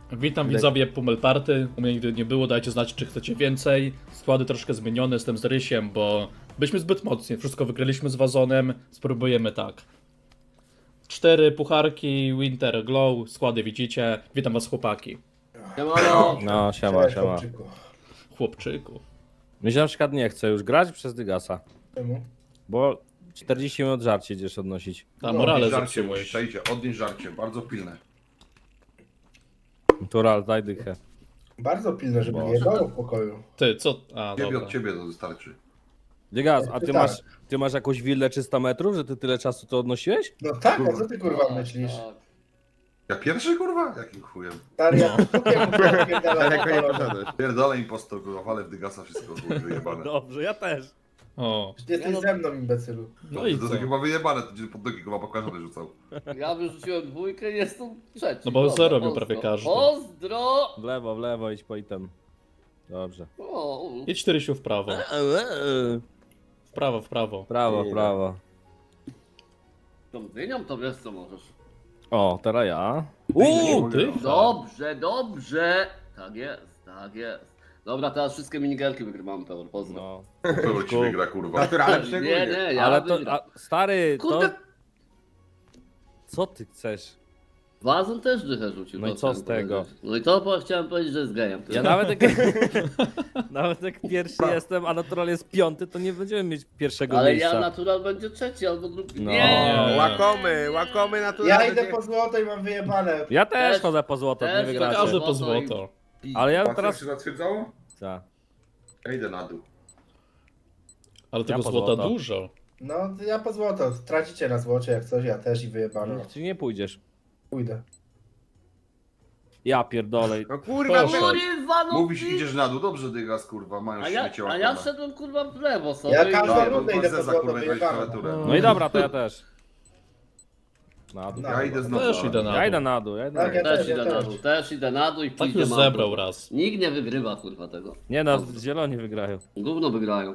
Witam widzowie Pummel Party. U mnie nigdy nie było, dajcie znać, czy chcecie więcej. Składy troszkę zmienione, jestem z Rysiem, bo byliśmy zbyt mocni. Wszystko wygraliśmy z Wazonem, spróbujemy tak. 4 pucharki, Winter Glow, składy widzicie. Witam was chłopaki. No, siema, siema. Chłopczyku. Mi się na przykład nie chce już grać przez Dygasa, Czemu? bo 40 minut żarcie idziesz odnosić. Ta morale żarcie zepsułeś. musisz, przejdzie, odnieś żarcie, bardzo pilne. Tural, daj dychę. Bardzo pilne, żeby Boże. nie jebało w pokoju. Ty, co? A, Ciebie dobra. od ciebie to wystarczy. Dygas, a Tak. ty masz jakąś willę 300 metrów, że ty tyle czasu to odnosiłeś? No tak, a co ty kurwa myślisz? Ja pierwszy kurwa? Jakim chujem? Stary, ja Daleko nie poszedłeś. Pierdolę impostor, kurwa, walę w Dygasa wszystko chuj, wyjebane. Dobrze, ja też. O, Jesteś ze mną, imbecylu. no i To co? chyba wyjebane, to gdzie pod nogi chyba pokażę rzucał. Ja wyrzuciłem dwójkę, jestem trzeci. No bo Dobra, zero robił pozdro. prawie każdy. Pozdro! W lewo, idź po item. Dobrze. O, Idź Rysiu w prawo. W prawo, w prawo. Prawo, prawo. tą dynią to wiesz co możesz. O, teraz ja. Ty? Dobrze, dobrze. Tak jest, tak jest. Dobra, teraz wszystkie minigerki wygrywamy, Peor, pozdro. No. Kogo ci wygra kurwa? Naturalnie Nie, szczególnie. nie, ja Ale to, wygram. stary, to... Kurde, Co ty chcesz? Wazon też dychę rzucił. No i to co chciałem z tego? powiedzieć. No i to chciałem powiedzieć, że jest gejem. Ja nawet jak... nawet jak pierwszy jestem, a natural jest piąty, to nie będziemy mieć pierwszego Ale miejsca. ja natural będzie trzeci albo drugi. No. Nie! Łakomy naturalnie. Ja idę po złoto i mam wyjebane. Ja też Też- chodzę po złoto, nie też wygracie. Każdy po Złoto i- złoto. Ale ja Patrz, teraz... jak się zatwierdzało? Co? Ja idę na dół. Ale tego po złota złoto. dużo. No, to ja po złoto. Tracicie na złocie jak coś, ja też i wyjebane. Czy nie pójdziesz? Pójdę. Ja pierdolę. No kurwa, Proszę. Kurwa, no Mówisz, ty- idziesz na dół, dobrze Dygas kurwa, mają A ja, śmiecie a ja łapane. szedłem kurwa w lewo sobie. Ja i- każdą Dobra, rundę to idę po zeza, złoto, kurwa, weź wyjebane. klawiaturę. No i dobra, to ja też. Na dół. No. Ja idę znowu. Też idę na Ja dół. idę na dół, ja idę na Tak, dół. ja Też też, idę na dół, też idę na dół i Tak pójdę już na zebrał dół. raz. Nikt nie wygrywa kurwa tego. Nie no, zieloni wygrają. Gówno wygrają.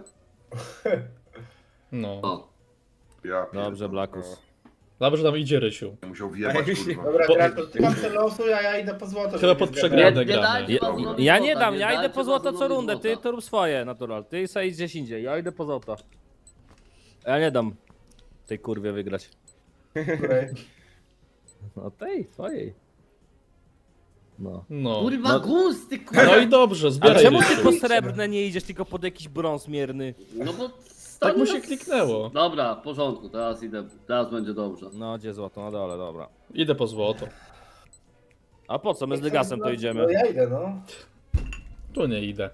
No. O. Ja Dobrze, pierdolę. Blakus. Dobrze nam idzie Rysiu. Musiał wjebać kurwa. Dobra, Bo- gra, to ty mam ten losu, a ja idę po złoto. Chyba żeby pod nie przegraną zgadać. gramy. dajcie Ja, Wazonowi ja złota, nie dam, ja idę dajcie po złoto co Wazonowi rundę, ty złota. to rób swoje, natural. Ty sobie idź gdzieś indziej, ja idę po złoto. Ja nie dam tej kurwie wygrać. Której? No tej, twojej. No. No. Kurwa No- gusty kurwa. No i dobrze, A zbieraj czemu ty Rysiu. po srebrne nie idziesz, tylko pod jakiś brąz mierny? No bo Tak mu stary, się kliknęło. Dobra, w porządku, teraz idę, teraz będzie dobrze. No, gdzie złoto? Na dole, dobra. Idę po złoto. A po co? My z Dygasem to No idziemy. ja idę, no. Tu nie idę.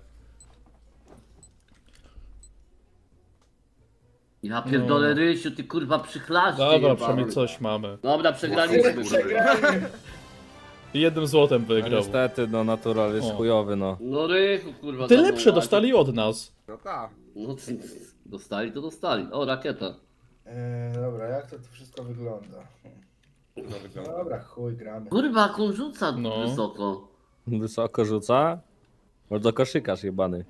Ja pierdolę No. Rysiu, ty kurwa przychlaście. Dobra, jebany. przynajmniej coś mamy. Dobra, przegraliśmy. kurwa. Przegramy. I jednym złotem No wygrał. niestety, no natural jest O. chujowy, no. No Rychu kurwa. Ty za mną lepsze walczy. dostali od nas. No tak. No dostali to dostali. O, rakieta. Dobra, jak to wszystko wygląda? Dobra, chuj, gramy. Kurwa, jak on rzuca No. wysoko. Wysoko rzuca. Bardzo koszykarz jebany.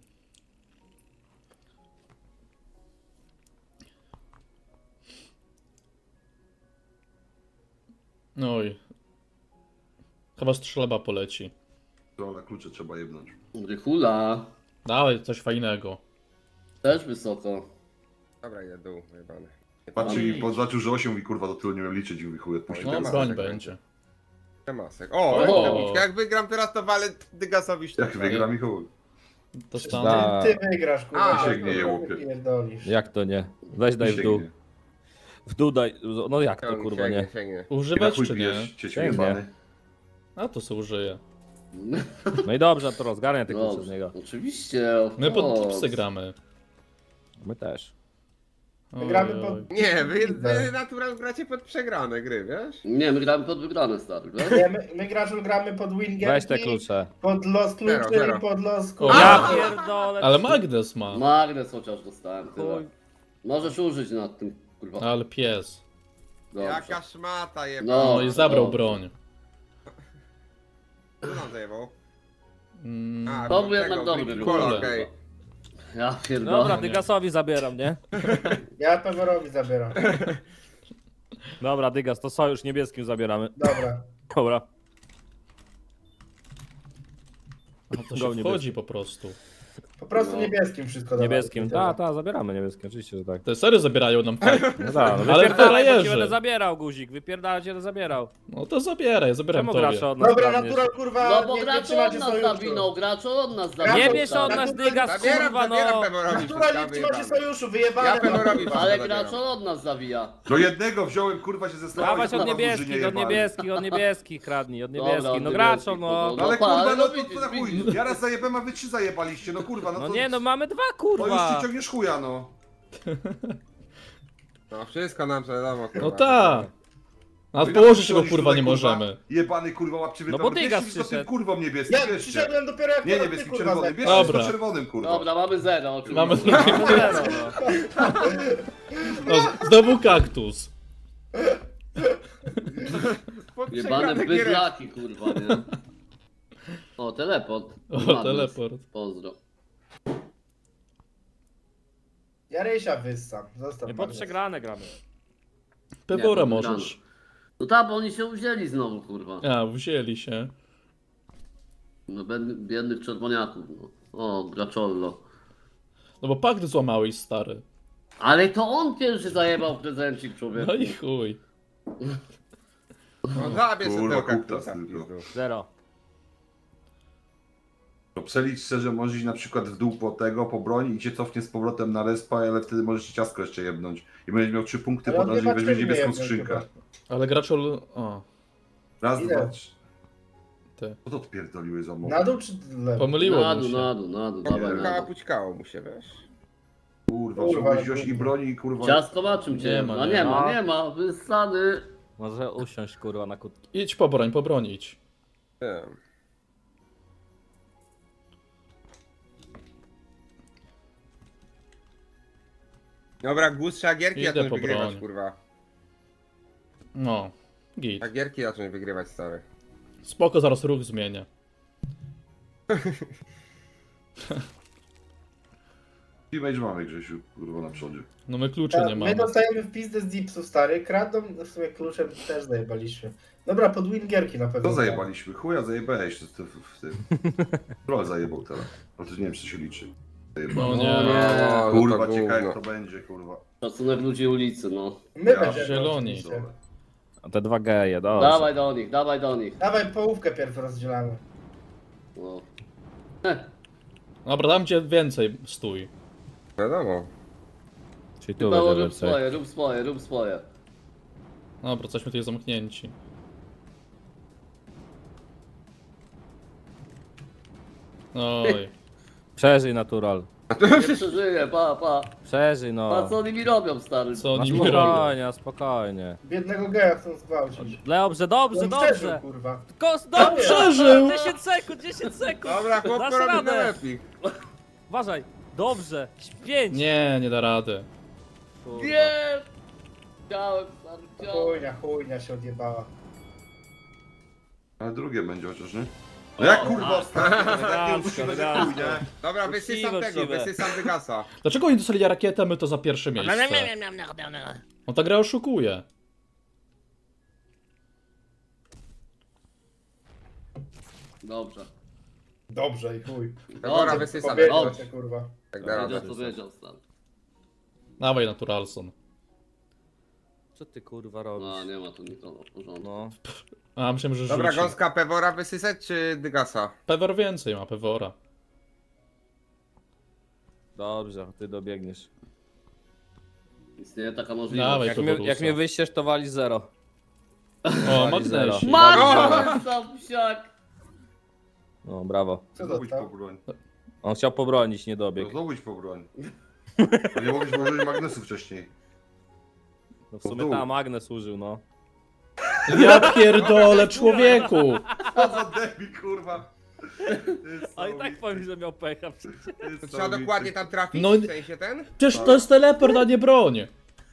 Oj. Chyba strzelba poleci. To na klucze trzeba jebnąć. Rychula. Dawaj, coś fajnego. Też wysoko. Dobra, idę dół, jebany. Patrz i zobaczył, że 8 i kurwa do tyłu nie miał liczyć i chuj odpuścił. No, Nie ma broń tego. będzie. Masek. O, O. tabliczka. Jak wygram teraz, to walę Dygasowi Jak sztukę. wygram i chuj. Dostanę. Da. Ty wygrasz, kurwa. A, ty sięgnie je kurwa, łupie. pierdolisz. Jak to nie? Weź daj w dół. Sięgnie. W dół daj. No jak to Sięgnie, kurwa nie? sięgnie. I na Używać chuj czy nie? pijesz, cieciu Sięgnie. jebany. A to se użyję. No i dobrze, to rozgarnia te klucze z Dobrze, niego. oczywiście. My pod o, tipsy gramy. My też. Oj, Gramy oj. pod... Nie, wy natural gracie pod przegrane gry, wiesz? Nie, my gramy pod wygrane, stary, wiesz? Nie, my Graczu gramy pod Winger. Weź te klucze. Pod los kluczy Zero. i pod los O, kurwa. Ja pierdolę. Ale magnes ma. Magnes chociaż dostałem, tyle. Chuj. Możesz użyć nad tym, kurwa. Ale pies. Dobrze. Jaka szmata jebana. No. No i zabrał dobrze. broń. Co nam zajebał? Mm, To bo był jednak tego, dobry Green ruch. Cola, Kurde. okej. Ja pierdolę. Dobra, Dygasowi zabieram, nie? Ja Peworowi zabieram. Dobra, Dygas, to sojusz niebieskim zabieramy. Dobra. Dobra. No to Go się niebieskim. wchodzi po prostu. Po prostu No. niebieskim wszystko dawaj. Niebieskim, zabieramy niebieskim, oczywiście, że tak. Te sery zabierają nam fajnie. No tak, no Ale wypierdalaj, bo frajerzy. ci będę zabierał, guzik, wypierdalaj, cię będę zabierał. No to zabieraj, zabieram Czemu tobie. grasz od nas Dobra, kradniesz? natural kurwa, No bo nie gracz trzymacie od nas sojuszu. zawinął, gracz od nas Nie Nie zawinął. bierz od tak. nas dygas, Zabieram kurwa, no! Peworowi Natural nie wszystko, trzymacie wyjebane. sojuszu, wyjebane. Ja Peworowi wszystko Ale zabieram. gracz od nas zawija. Do jednego wziąłem, kurwa, się zestawałem. Dawać od niebieskich kradnij, od Dobra, niebieskich, od no niebieskich, graczo, no. no. No ale pa, kurwa, ale no no to widzisz, na chuj. widzisz. Ja raz zajebałem, a wy 3 zajebaliście, no kurwa, no No to... nie, no mamy dwa, To już kurwa! ci ciągniesz chuja, no. No wszystko nam wiadomo, kurwa. No tak. A No i położyć na go chuj kurwa tutaj, nie możemy. Jebany kurwa łapczywy No pełen. bo Dygas Bierzcie mi to tym przyszedł. kurwą niebieskim, Ja bierzcie. przyszedłem dopiero jak Nie teraz niebieskim, ty, kurwa, czerwonym. zajebałeś. Bierzcie Dobra. to czerwonym, kurwa. Dobra, mamy 0 oczywiście. Mamy Zero, no. no, znowu kaktus. Jebane bydlaki, kurwa, nie? O, teleport. O, Madness. teleport. Pozdro. Ja Rysia wyssam, zostaw Nie mnie. pod przegrane gramy. Pewora Nie, możesz. No tak, bo oni się uwzięli znowu, kurwa. A, wzięli się. No biednych czerwoniaków, no. O, graczollo. No bo pakt złamałeś, stary. Ale to on pierwszy zajebał prezencik, człowieku. No i chuj. No zabierz sobie Kurwa, tego kuptas kaktusa. tylko. pizdu. Zero. To przelicz szczerze, możesz iść na przykład w dół po tego, po broń i cię cofnie z powrotem na respa, ale wtedy możesz ci ciastko jeszcze jebnąć. I będziesz miał 3 punkty Ale po on razie i chyba weźmiesz cztery niebieską jebnie skrzynkę. chyba. Ale graczol... O, Raz, Ile? dwa, trzy. ty. Co to odpierdoliły za mowę? Na dół czy lewo? Pomyliło Na mu dół, się. na dół, na dół, dawaj na Chyba dół. pućkało mu się, wiesz? Kurwa, Kurwa, trzeba ale wziąć i kurwa. broni i kurwa... Ciastko ma czym cię? Nie ma, No nie nie ma. ma, nie ma, wysady. Może usiąść, kurwa, na kutki. Idź po broń idź. Wiem. Dobra, Gus, trzeba gierki Idę zacząć po wygrywać, broń. kurwa. No, git. Trzeba gierki zacząć wygrywać, stary. Spoko, zaraz ruch zmienię. Teammate mamy, Grzesiu, kurwa, na przodzie. No my kluczy nie My mamy. dostajemy w pizdę z dipsu, stary. Kradną, w sumie kluczem też zajebaliśmy. Dobra, pod win gierki na pewno. To zajebaliśmy. Chuja zajebałeś w tym. Troll zajebał teraz. Ale to nie wiem, czy to się liczy. Zajebał. No nie. No, Kurwa, to ciekawe gówno. jak to będzie, kurwa. Szacunek ludzi ulicy, no. My Ja będziemy zieloni. oczywiście. A te dwa geje, dobrze. Dawaj do nich, dawaj do nich. Dawaj, połówkę pierw rozdzielamy. No. Dobra, dam cię więcej, stój. Wiadomo. Czyli tu Chyba będzie rób więcej. swoje, rób swoje, rób swoje. Dobra, jesteśmy tutaj zamknięci. Oj. Przeżyj, natural. Nie przeżyję, pa. Przeżyj, Pa, no. co oni mi robią, stary? Co Na oni mi robią? spokojnie, spokojnie. Biednego geja chcą zgwałcić. Dobrze, dobrze, On przeżył, dobrze. kurwa. Dobrze! Przeżył! 10 sekund, 10 sekund! Dobra, Dasz chłopko robi radę. najlepiej. Uważaj, dobrze, 5. Nie da rady. Nie! Chciałem, stary, chciałem. Chujnia się odjebała. Ale drugie będzie chociaż, nie? No jak kurwa ostatnio? Tak nie elegancko, uczciwe, że chuj, nie? Dobra, wysysam Uczciwe, tego, uczciwe. wysysam Dygasa. Dlaczego oni dostali rakietę, a my to za pierwsze miejsce? On ta gra oszukuje. Dobrze. Dobrze i chuj. Dobra, Dobrze, wysysam. Powiedział dobrze. się, kurwa. Tak da radę. Wiedział, co wiedział, stary. Dawaj, Naturalson. Co ty kurwa robisz? No, nie ma tu nikogo, w porządku. No. A, myślałem, że Dobra, rzuci. gąska Pewora wysysać czy Dygasa? Pewor więcej ma, Pewora. Dobrze, ty dobiegniesz. Istnieje taka możliwość. Dawaj, Jak Peworusa. mnie wyjściesz, to wali 0. O, magnesik. Masz tam psiak! No, brawo. Co Znowu idź po dostał? broń. On chciał pobronić, nie No dobiegł. znowu idź po broń. To nie mogłeś użyć magnesu wcześniej. No w sumie tam Agnes użył, no. Ja pierdolę, człowieku! Co za debil, kurwa. A i tak powiem, że miał pecha przecież. To trzeba dokładnie tam trafić, No- w sensie ten? Przecież to jest teleport, a nie broń.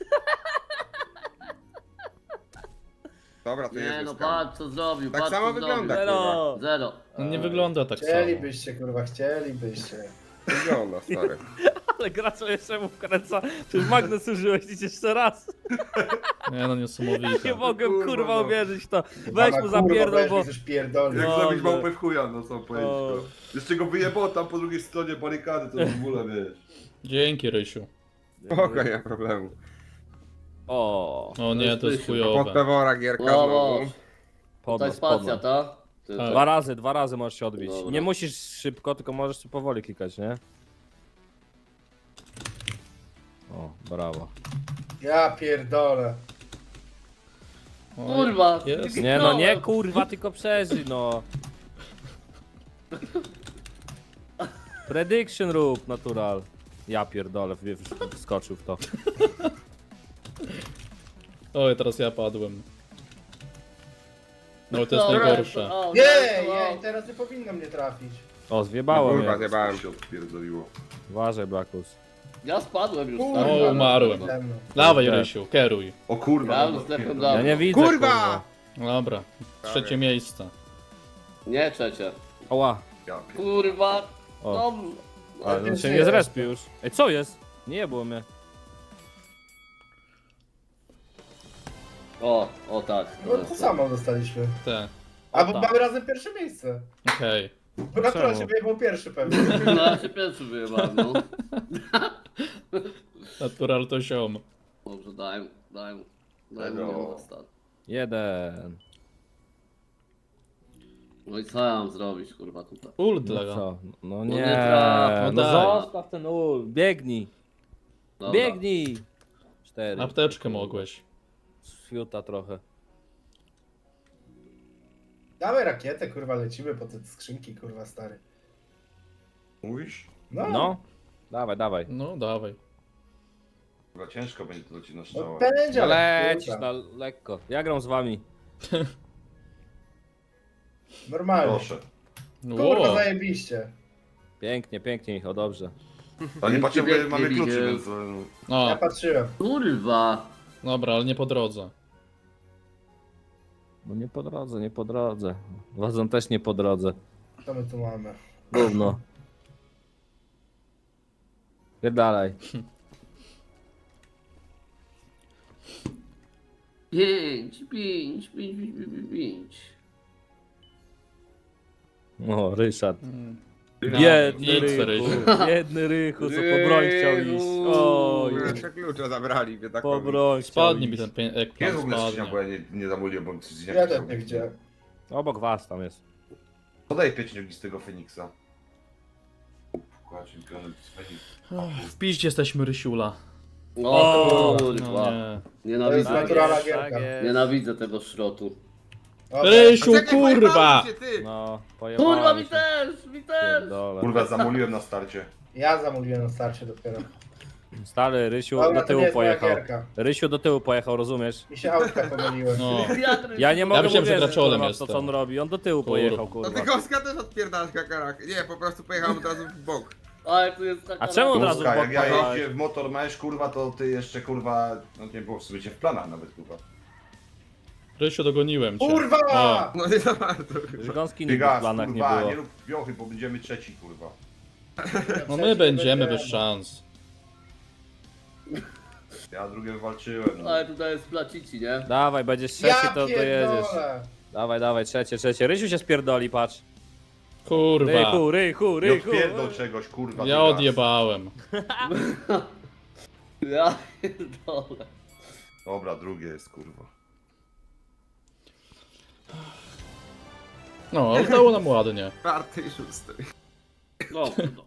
Dobra, to jest Nie no, wyskam. patrz co zrobił, Tak patrz samo co wygląda. zrobił. Zero! Zero. No nie wygląda tak samo. Chcielibyście, kurwa, chcielibyście. Wygląda, stary. Ale gracz jeszcze mu wkręca. Przecież magnes użyłeś nic jeszcze raz. Nie no, Nie niesamowite. mogłem Kurwa, kurwa no. uwierzyć w to. Pana, Weź mu kurwa, zapierdol, weź bo... mi coś pierdoli. Jak No, zabić no. małpę w chuja, no co powiedzieć, O. no. Jeszcze go wyjebał tam po drugiej stronie barykady, to w ogóle, wiesz. Dzięki, Rysiu. Spoko, nie ma problemu. O, O nie, to jest Pod chujowe. pewora gierka Wow, znowu. Tutaj podnos, spacja, podnos. ta? Ty, Tak. tak. Dwa razy możesz się odbić. Dobra. Nie musisz szybko, tylko możesz tu powoli klikać, nie? O, brawo. Ja pierdolę. Oj, Kurwa! jest. Nie no, nie kurwa, tylko przeżyj, no. Prediction rób, natural. Ja pierdolę, wskoczył w to. Oj, teraz ja padłem. No to jest Dobra, najgorsze. o, Nie, dobra, nie, teraz nie powinno mnie trafić. O, zjebało Kurwa, mnie. zjebałem. się odpierdoliło. Uważaj, Blackus. Ja spadłem już, Kurwa, stary. O, umarłem. ze mną. Dawaj, Tak. Rysiu, kieruj. O kurwa, Ja no, już zdechłem pierdolę. Ja dawno. nie widzę, Kurwa! Dobra, trzecie miejsce. Nie, trzecie. Oła. Ja pierdolę. Kurwa! O. No, Ale on Więc się nie nie jest. zrespił już. Ej, co jest? Nie było mnie. o tak. No to samo dostaliśmy. Te, A bo tak. mamy razem pierwsze miejsce. okej. Bo natural Czemu? się wyjebał pierwszy pewnie. No ja się pierwszy wyjebałem, no. Natural to ziom. Dobrze, daj Tego. mu dostać. 1. No i co ja mam zrobić, kurwa, tutaj? Ult No dla co? No nie nie. traf, No no daj. zostaw ten ul. Biegnij. Dobra. Biegnij. 4. Apteczkę mogłeś. Fiuta trochę. Dawaj rakietę, kurwa, lecimy po te skrzynki, kurwa, stary. Mówisz? No, No. Dawaj, dawaj. No, dawaj. Chyba ciężko będzie to ci na no strzała. będzie, ale Lecisz kurwa. na lekko. Ja gram z wami. Normalnie. Proszę. Kurwa, Ło, zajebiście. Pięknie, pięknie, Michał, dobrze. A nie patrzę, Biegnie, bo mamy biegnie. kluczy, więc... Ja no, patrzyłem. Kurwa! dobra, ale nie po drodze. No nie po drodze, nie po drodze. Wazon też nie po drodze. Co my tu mamy? Gówno. Dalej. 5. O, Ryszard. Mm. Biedny Idź, Rychu. Rysiu. Biedny Rychu, co po broń chciał iść. Oj, Jeszcze klucze zabrali, po biedakowi. broń chciał Spadnie mi iść. ten jak Gdzie jest w ogóle skrzynia, spadnie. bo ja nie zamówiłem, bo coś Ja też nie widziałem. Obok was tam jest. Podaj pięć z tego Feniksa. Kłaczyn, z Feniksa. W piździe jesteśmy, Rysiula. O, No kurwa. nie. To jest Nienawidzę, naturalna jest, gierka. jest. nienawidzę tego szrotu. Dobra. Rysiu, Czekaj, kurwa! pojebało się, ty! No, pojebałem Kurwa, mi się. też, mi też! Pierdolę. Kurwa, zamówiłem na starcie. Ja zamówiłem na starcie dopiero. Stary, Rysiu Dobra, do to tyłu nie jest moja pojechał. gierka. Rysiu do tyłu pojechał, rozumiesz? Mi się autka pomyliły. No. Ja nie mogę myślałem, że uwierzyć, graczolem kurwa, w to, jestem. co on robi. On do tyłu Kurwa. pojechał, No kurwa. ty Gąska też odpierdalasz kakarak. Nie, po prostu pojechałem od razu w bok. Ale tu jest taka... A czemu od razu Gąska, w bok jak ja pojechałeś? jeździłem w motor masz, kurwa, to ty jeszcze, kurwa, no nie było w sobie w planach nawet, kurwa. Rysiu, dogoniłem cię. Kurwa! O, No nie za bardzo. Gąski nigdy w Bigas, planach nie kurwa, było. nie rób wiochy, bo będziemy trzeci, kurwa. no my będziemy bez szans. Ja drugie wywalczyłem, no. Ale tutaj jest placici, nie? Dawaj, będziesz trzeci, Ja to dojedziesz. pierdolę! Dawaj, dawaj, trzecie. Rysiu się spierdoli, patrz. Kurwa. Rychu. Nie odpierdol czegoś, kurwa. Ja Bigas. odjebałem. Ja pierdolę. Dobra, drugie jest, kurwa. No, ale dało nam ładnie. Czwarty i szósty. No, no.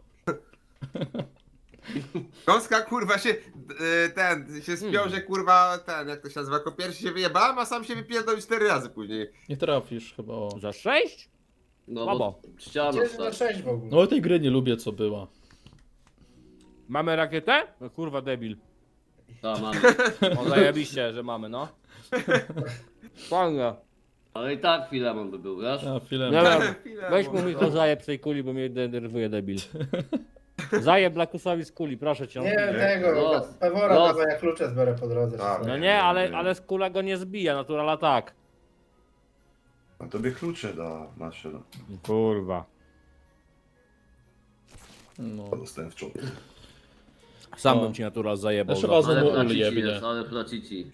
Gąska kurwa się się spiął, że kurwa jak to się nazywa, jako pierwszy się wyjebałem, a sam się wypierdolił 4 razy później. Nie trafisz chyba, o. Za 6? No Słabo. bo ściana Gdzie jest na stary. 6 w ogóle? No tej gry nie lubię, co była. Mamy rakietę? No kurwa, debil. Ta, mamy. O, zajebiście, że mamy, no. Fajnie. Ale i tak Filemon by był, wiesz? A, chwilę. Dobra, Chwilę, weź bo- mu Michał zajeb z tej kuli, bo mnie denerwuje debil. Zajeb Blackusowi z kuli, proszę cię. Nie, tego, Los. Pewora Los. dawaj, jak klucze zbiorę po drodze. Tak. No nie, ale z kula go nie zbija, naturala tak. A tobie klucze da nasze, no. Kurwa. No. Dostałem w czopie. Sam O. bym ci natural zajebał. Jeszcze za- was- Ale Znowu flacici ujebnie. jest, ale flacici.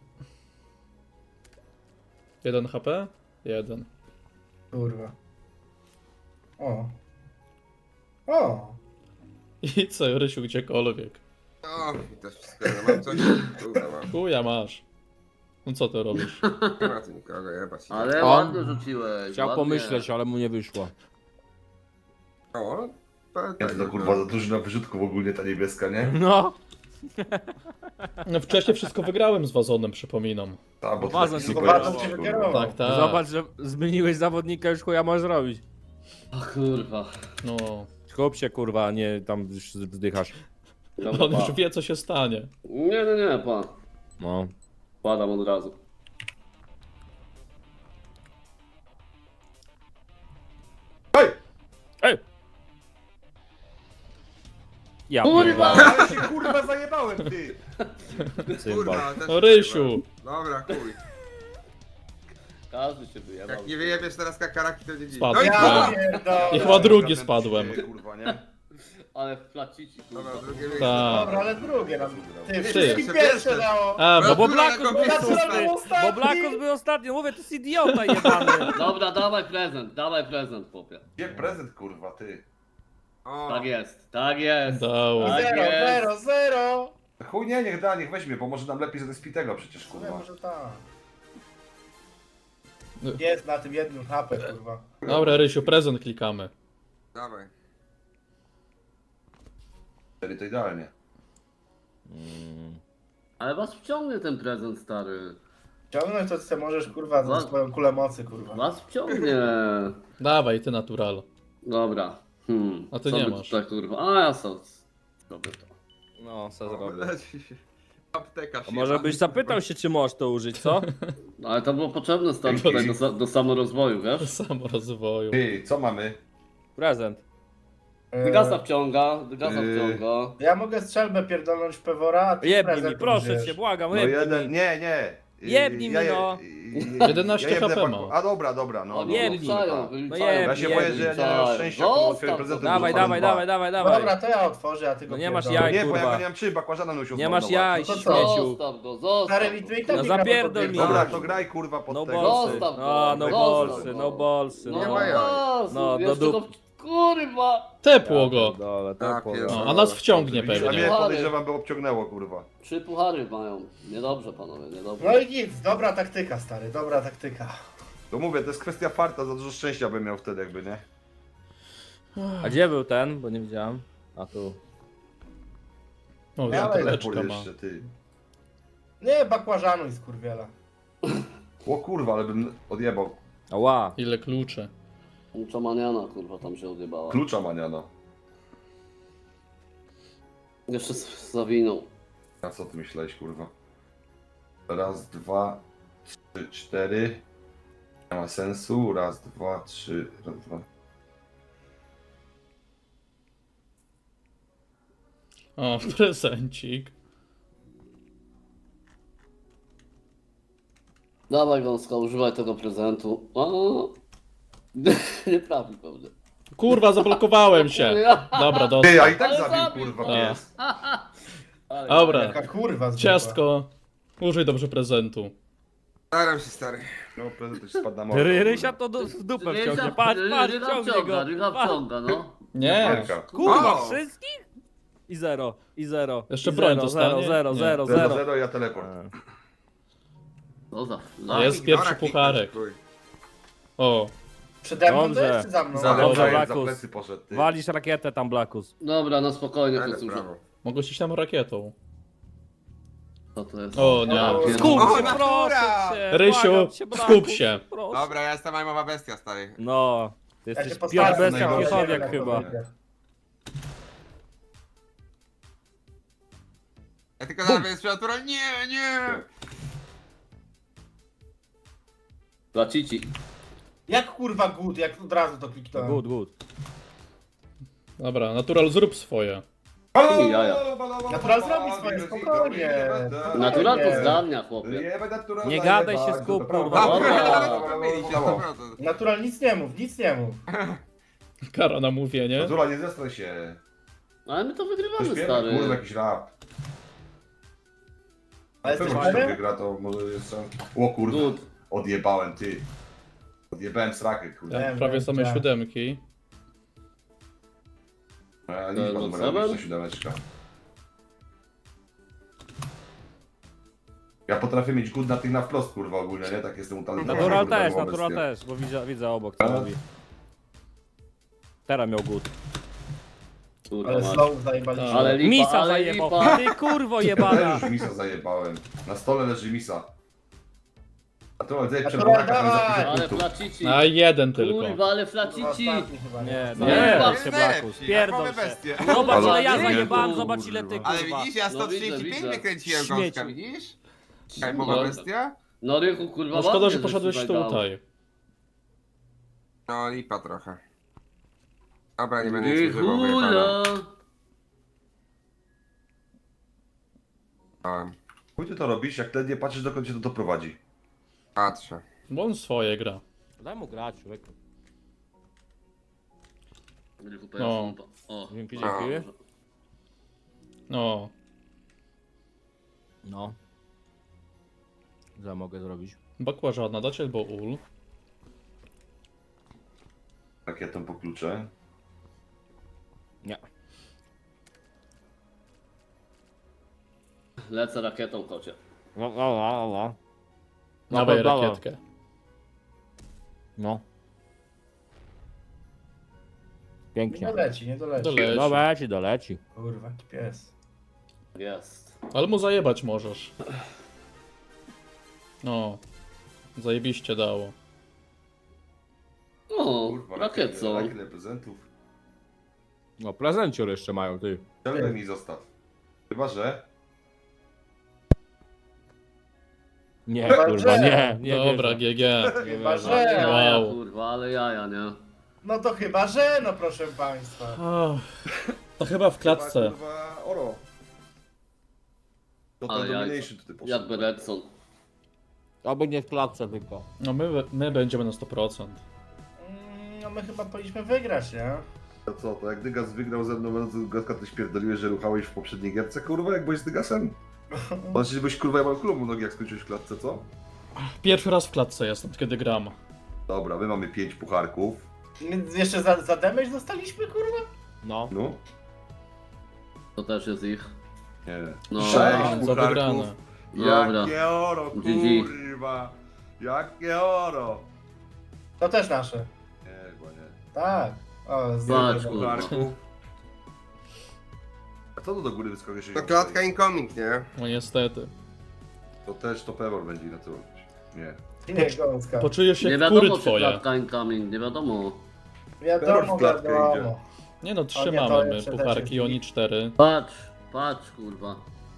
1 HP? 1. Kurwa. O. O. I co, Rysiu, gdziekolwiek. O, i to wszystko, ja mam coś. Kurwa, mam. Chuja masz. No co ty robisz? Nie ma tu nikogo, jebać. Ale On ładnie rzuciłeś. Chciał ładnie. pomyśleć, ale mu nie wyszło. O, Jest to kurwa za dużo na wyrzutków ogólnie ta niebieska, nie? No. No wcześniej wszystko wygrałem z wazonem, przypominam. A, bo to Wazon taki tylko super wazon jest, cię kurwa. wykierował. Tak, tak. Zobacz, że zmieniłeś zawodnika, już chuja możesz robić. O kurwa. No, Skup się kurwa, a nie tam już wzdychasz. Dobra, on już pa. wie co się stanie. Nie, pan. No. Padam od razu. Ej! Ja Kurwa! pierdolę, Ale się kurwa zajebałem, ty! cymbał. Kurwa, też No Rysiu! Dobra, chuj. Każdy się wyjebał. Jak nie wyjebiesz teraz kakaraki, to nie dziś. Spadł. No i Ja kurwa! pierdolę. I chyba drugi spadłem. Kurwa, nie? Ale flacici, kurwa. Dobra, drugie miejsce. Tak. Dobra, ale drugie nam. Ty, Ty. wszystkim Ty. pierwsze dało. A, No bo Kurwa, Blakus jako był pierwszy szósty, ostatni. bo Blakus był ostatni, mówię, to jest idiota jebany. Dobra, dawaj prezent, chłopie. Gdzie prezent, kurwa, ty? O, Tak jest, tak jest. Dało. Tak Zero, jest. zero, zero. Chuj nie, niech da, niech weźmie, pomoże nam lepiej zespitego przecież, Kurwa, kurwa. może tak. Jest na tym jednym HP, kurwa. Dobra, Rysiu, prezent klikamy. dawaj. Wtedy to idealnie. Ale was wciągnie ten prezent, stary. Ciągnąć to ty możesz, kurwa, No. za swoją kulę mocy, kurwa. Was wciągnie. Dawaj, ty natural. Dobra. A ty Co nie by masz. Tak, kurwa. A ja sam. Robię to. No, co O, zrobię. leci się. Apteka A się. może byś zapytał się, czy możesz to użyć, co? No, ale to było potrzebne, stary, tutaj do samorozwoju, wiesz? Samorozwoju. Ty, co mamy? Prezent. Dygasa wciąga. Ja mogę strzelbę pierdolnąć w Pewora, a ty Jebnij mi, prezent proszę użyjesz. cię, błagam, No jebnij jeden, mi. nie. Jebnij mi, no. 11 jebnę HP paku- ma. A dobra, no. Oni jebnij. wyliczają, No wyliczają. jebnij, Ja się boję, że ja nie mam szczęścia, bo Zostaw twoje to. prezenty Dawaj, dostaną dawaj, dwa. dawaj. Dobra, to ja otworzę, a ty go No nie masz pierdolę. jaj. Nie, bo ja kurwa. nie mam 3 bakłażana musiał Nie masz jaj, No to co? śmieciu. Zostaw go. Stary, mi tu i tak No nie gra, bo zapierdol to mi. Dobra, pierdolę. to graj kurwa pod No tego. bolsy. Zostaw go, No zostaw bolsy, go. no bolsy. No Nie No, ma jaj. No, do jeszcze dup- go... Kurwa! Tepło go. Dole, Ja tak pierdolę. No, a nas wciągnie A pewnie. mnie podejrzewam, by obciągnęło kurwa. 3 puchary mają. Niedobrze, panowie, niedobrze. No i nic, dobra taktyka, stary, dobra taktyka. To mówię, to jest kwestia farta, za dużo szczęścia bym miał wtedy jakby, nie? A gdzie był ten? Bo nie widziałem. A tu. O, Ja zapaleczka Teleport ma. jeszcze, ty. Nie, bakłażanuj, skurwiela. O kurwa, ale bym odjebał. Ała. Ile kluczy. Muczomaniana, kurwa, tam się odjebała. Klucza maniana. Jeszcze zawinął. A co ty myślałeś, kurwa? Raz, dwa, trzy, cztery. Nie ma sensu. Raz, dwa, trzy, raz, dwa. O, prezencik. Dawaj, Gąska, używaj tego prezentu. O, nie trafi pewnie. Kurwa, zablokowałem się. Dobra, Ty, dostał. a i tak Ale zabił, zabił. kurwa, A. pies. Ale- Dobra, Jaka kurwa zwykła. ciastko. Użyj dobrze prezentu. Staram się, stary. No, prezent już spadł na mordę. Rysia to w dupę Rysia- wciągnie. Patrz, patrz, Rycha wciągnie wciąga, go. Rycha Patrz. wciąga, no. Nie. Kurwa. Kurwa, O! wszystkich? I zero, i zero. Jeszcze i broń zero, dostanie? zero, Nie. zero, 0, zero. ja teleport. No za... Jest pierwszy pucharek. O, Przede mną to Dobrze. jest czy za mną? Za Dobrze, Za Blakus. plecy poszedł, ty. Walisz rakietę tam, Blakus. Dobra, no spokojnie, Ale posłuchaj. prawo. mogłeś iść tam rakietą. Co to jest? O, nie. Ja pierdolę. Skup O, się, natura! proszę cię. Rysiu, błagam cię, skup Blakus, się. proszę. Dobra, ja jestem majmowa bestia, stary. No, ty Ja cię jesteś postawię Piotr Bestia najgorszy. Piechowiak jak chyba. to wyjdzie. Ja tylko nawet jest natura. Nie! Flacici. Jak kurwa good, jak od razu to kliknąłem. Good, good. Dobra, natural, zrób swoje. I jaja. Natural zrobi swoje, spokojnie. Natural to Nie. zgarnia, chłopie. Nie gadaj się, skup, kurwa. Dobra. Nawet pomylić się, naprawdę. Natural nic nie mów, nic nie mów. Kara na mówienie. Zula, nie zestraj się. Ale my to To wygrywamy, śpiewa, kurwa, stary. jakiś rap. A jesteś Pewno, że to pewien? wygra, to może jest szans. O kurwa, Good. odjebałem, ty. Odjebałem srakę, kurwa. Wiem, Prawie wiem, same widziałem. siódemki. Liczba no numerowa, seven? ta siódemeczka. Ja potrafię mieć good na tych na wprost, kurwa, ogólnie, nie? Tak jestem utalentowana. Natural kurwa, też, wobec natural nie. też, bo widzę obok co A? robi. Teraz miał good. Kurwa, Ale mać. slow zajebaliśmy. Ale lipa, Misa ale zajebał. lipa. Ty kurwo Też jebana. już misa zajebałem. Na stole leży misa. A to zejdź przed Natural, buraka, tam dawaj! zapiszę Ale punktów. flacici. A jeden tylko. Kurwa, ale Kurwa, flacici. ostatni chyba, Nie, No nie, nie, nie, jest się najlepsi, Blaku, jak spierdol mamy się. bestię. Zobacz ile ja Ale zajebałem, nie, zobacz ile ty Ale kurwa. widzisz, ja No 135 widzę. wykręciłem Śmieci. gąska, widzisz? Kajmowa No. bestia? No Rychu, kurwa, No szkoda, ładnie, że poszedłeś żeś dał. tutaj. No lipa trochę. Dobra, nie będę nic używał, Rychula. wyjebałem. Chuj ty to robisz, jak ledwie patrzysz, dokąd cię to doprowadzi. Patrzę. Bo on swoje gra. Daj mu grać, człowieku. Rychu, No. O. Dzięki, A. dzięki. No. No. Co mogę zrobić? Bakłażana dać albo ul. Rakietą po klucze. Nie. Lecę rakietą, kocie. No. Dawaj dobra. rakietkę. No. Nie Pięknie. doleci, nie doleci. Doleci. Doleci, doleci. Kurwa, jaki pies. Jest. Ale mu zajebać możesz. No. Zajebiście dało. O, Kurwa, rakietą. rakietę prezentów. No prezencior jeszcze mają, ty. Ciągle mi zostaw. Chyba, że... Nie, Chyba, kurwa, że- nie Dobra, wierzę. GG. Chyba, Ale że... jaja, Wow. kurwa, ale jaja, nie? No to chyba, że, no proszę państwa. To chyba w klatce. Chyba, kurwa, oro. To Ale ten jajco. domination tutaj poszedł. Jakby Redson. Oby nie w klatce tylko. No my będziemy na 100%. No my chyba powinniśmy wygrać, nie? To co, to jak Dygas wygrał ze mną, będąc Gaska, ty śpierdoliłeś, że ruchałeś w poprzedniej gierce, kurwa, jak byłeś z Dygasem? Znaczy, byś kurwa jebał klubu nogi, jak skończyłeś w klatce, co? Pierwszy raz w klatce jestem, kiedy gram. Dobra, my mamy 5 pucharków. My jeszcze za damage dostaliśmy, kurwa? No. No? To też jest ich. Nie. No. 6 Za pucharków. wygrane. Dobra. Jakie oro, GG. kurwa. Jakie oro. To też nasze. Nie, chyba nie. Tak. O, Patrz, z... kurwa. Pucharków. A co to do góry wyskakuje się? To klatka incoming, nie? No niestety. To też to Pewor będzie na to robić. Nie. Nie, gąska. Poczujesz się Nie jak kury wiadomo, czy twoje. klatka incoming, nie wiadomo. Wiadomo, w klatkę wiadomo. Nie no, O 3 nie, to mamy jeszcze pucharki, też oni 4. Patrz, kurwa.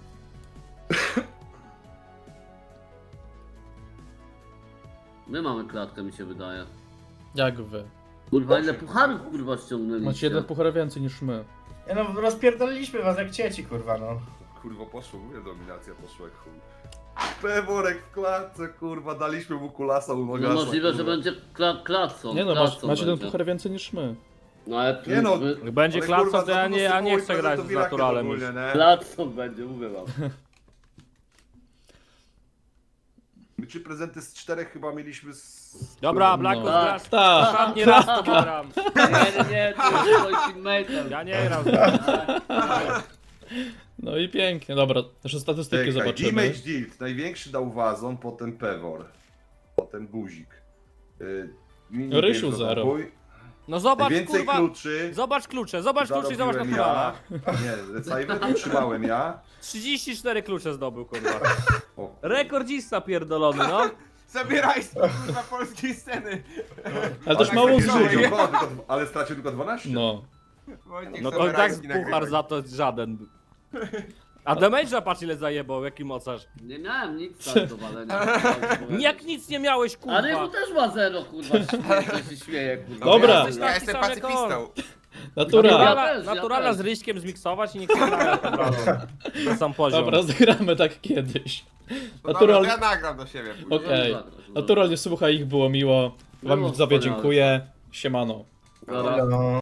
My mamy klatkę, mi się wydaje. Jak wy? Kurwa, ile pucharów, kurwa, ściągnęliście? Macie jeden puchar więcej niż my. Nie no, rozpierdoliliśmy was jak dzieci, kurwa, no. Kurwa poszło, mówię, dominacja poszła jak chuj. Peworek w klatce, kurwa, daliśmy mu kulasa u No Nogasa, możliwe, że kurwa. będzie klatcą. Nie no, klatcą macie jeden będzie. puchar więcej niż my. No ale Nie no. Jak będzie Ale, klatca, kurwa, to ja nie, za ja nie chcę to grać z rakiet naturalem już. ogólnie, nie? klatcą będzie, mówię wam. My 3 prezenty z 4 chyba mieliśmy z... Dobra, Blackus, No. grasz. Tak. Ostatni raz to gram. Nie, to jest moim teammate'em. Ja nie gram. No i pięknie, dobra, jeszcze statystyki Czekaj, zobaczymy. Damage Dealt, największy dał Wazon, potem Pewor, potem Guzik. Mini Rysiu Games zero. Robój. No zobacz, Najwięcej kurwa. kluczy Zobacz klucze i zobacz zarobiłem naturala. Nie, Cyber utrzymałem ja. 34 klucze zdobył, kurwa. O, Rekordzista pierdolony, no. Zabieraj z kurwa polskiej sceny. Ale też Tak, mało tak, zużył. Ale stracił tylko 12. No. Wojciech No to sobie i tak rajski puchar nagrywaj. za to żaden. A damage'a patrz ile zajebał, jaki mocarz. Nie miałem nic tak do walenia. Jak nic nie miałeś, A Rychu kurwa. też ma 0, kurwa, się śmieje, kurwa. Dobra. Ja Taki jestem sam jak pacyfistą. Natura. Ja Naturala też. z Ryśkiem zmiksować i niech się gra po prostu. Na sam poziom. Dobra, zagramy tak kiedyś. No dobra, to Natural... ja nagram do siebie później. Okej. Naturalnie słuchaj, ich było miło. Wam Było widzowie wspaniale. dziękuję. Siemano. Dobra. No.